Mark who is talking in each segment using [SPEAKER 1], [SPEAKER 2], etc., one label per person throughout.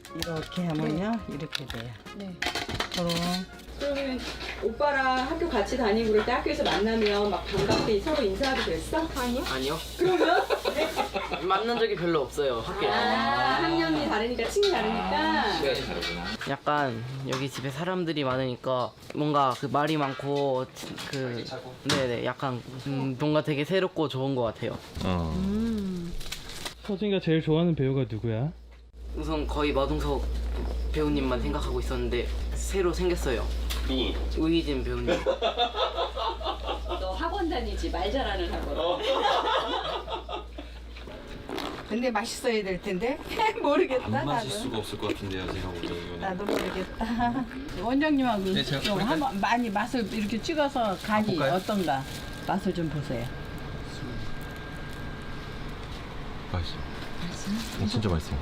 [SPEAKER 1] 이렇게 하면요. 이렇게 돼요.
[SPEAKER 2] 네.
[SPEAKER 3] 그러면 오빠랑 학교 같이 다니고 그럴 때 학교에서 만나면 막 반갑게 서로 인사하고 그랬어?
[SPEAKER 4] 아니요.
[SPEAKER 3] 그러면?
[SPEAKER 4] 만난 적이 별로 없어요, 학교에서.
[SPEAKER 3] 학년이 다르니까 층이 다르니까.
[SPEAKER 4] 시간이 다르구나. 약간 여기 집에 사람들이 많으니까 뭔가 그 말이 많고 그 네네 약간 뭔가 되게 새롭고 좋은 것 같아요.
[SPEAKER 5] 서진이가 제일 좋아하는 배우가 누구야?
[SPEAKER 4] 우선 거의 마동석 배우님만 생각하고 있었는데 새로 생겼어요. 우희진 배우님.
[SPEAKER 3] 너 학원 다니지 말 잘하는 학원.
[SPEAKER 1] 근데 맛있어야 될 텐데 모르겠다.
[SPEAKER 6] 안 마실
[SPEAKER 1] 나도.
[SPEAKER 6] 수가 없을 것 같은데요, 제가 보기에는.
[SPEAKER 1] 나도 모르겠다.
[SPEAKER 2] 원장님하고
[SPEAKER 6] 네, 제가
[SPEAKER 2] 좀
[SPEAKER 6] 그러니까-
[SPEAKER 2] 한번 많이 맛을 이렇게 찍어서 간이
[SPEAKER 6] 볼까요?
[SPEAKER 2] 어떤가 맛을 좀 보세요.
[SPEAKER 6] 맛있어. 진짜 맛있어요.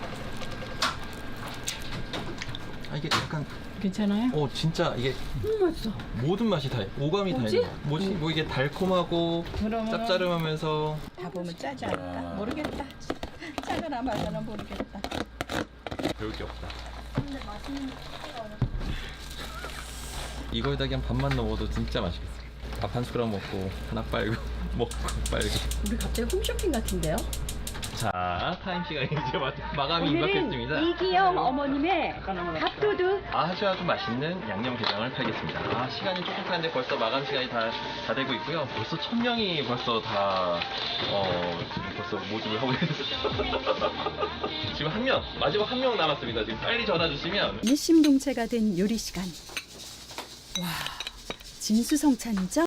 [SPEAKER 6] 아, 이게 약간
[SPEAKER 2] 괜찮아요?
[SPEAKER 6] 진짜 이게
[SPEAKER 2] 맛있어.
[SPEAKER 6] 모든 맛이 다 오감이 다 있는 거. 뭐지? 뭐 이게 달콤하고
[SPEAKER 2] 그러면
[SPEAKER 6] 짭짤하면서
[SPEAKER 2] 다 보면 짜지 않을까? 모르겠다. 짜거나 말거나 모르겠다.
[SPEAKER 6] 배울 게 없다. 이거에다 그냥 밥만 넣어도 진짜 맛있겠어. 밥 한 숟가락 먹고 하나 빨고 먹고 빨고.
[SPEAKER 2] 우리 갑자기 홈쇼핑 같은데요?
[SPEAKER 6] 자, 타임 시간이 이제 마감이 임박했습니다.
[SPEAKER 3] 이기영 어머님의 밥도둑.
[SPEAKER 6] 아주 맛있는 양념게장을 팔겠습니다. 시간이 조금 타는데 벌써 마감 시간이 다 되고 있고요. 벌써 1000명이 벌써 다 지금 벌써 모집을 하고 있어요. 지금 마지막 한 명 남았습니다. 지금 빨리 전화 주시면.
[SPEAKER 7] 일심동체가 된 요리 시간. 와, 진수성찬이죠?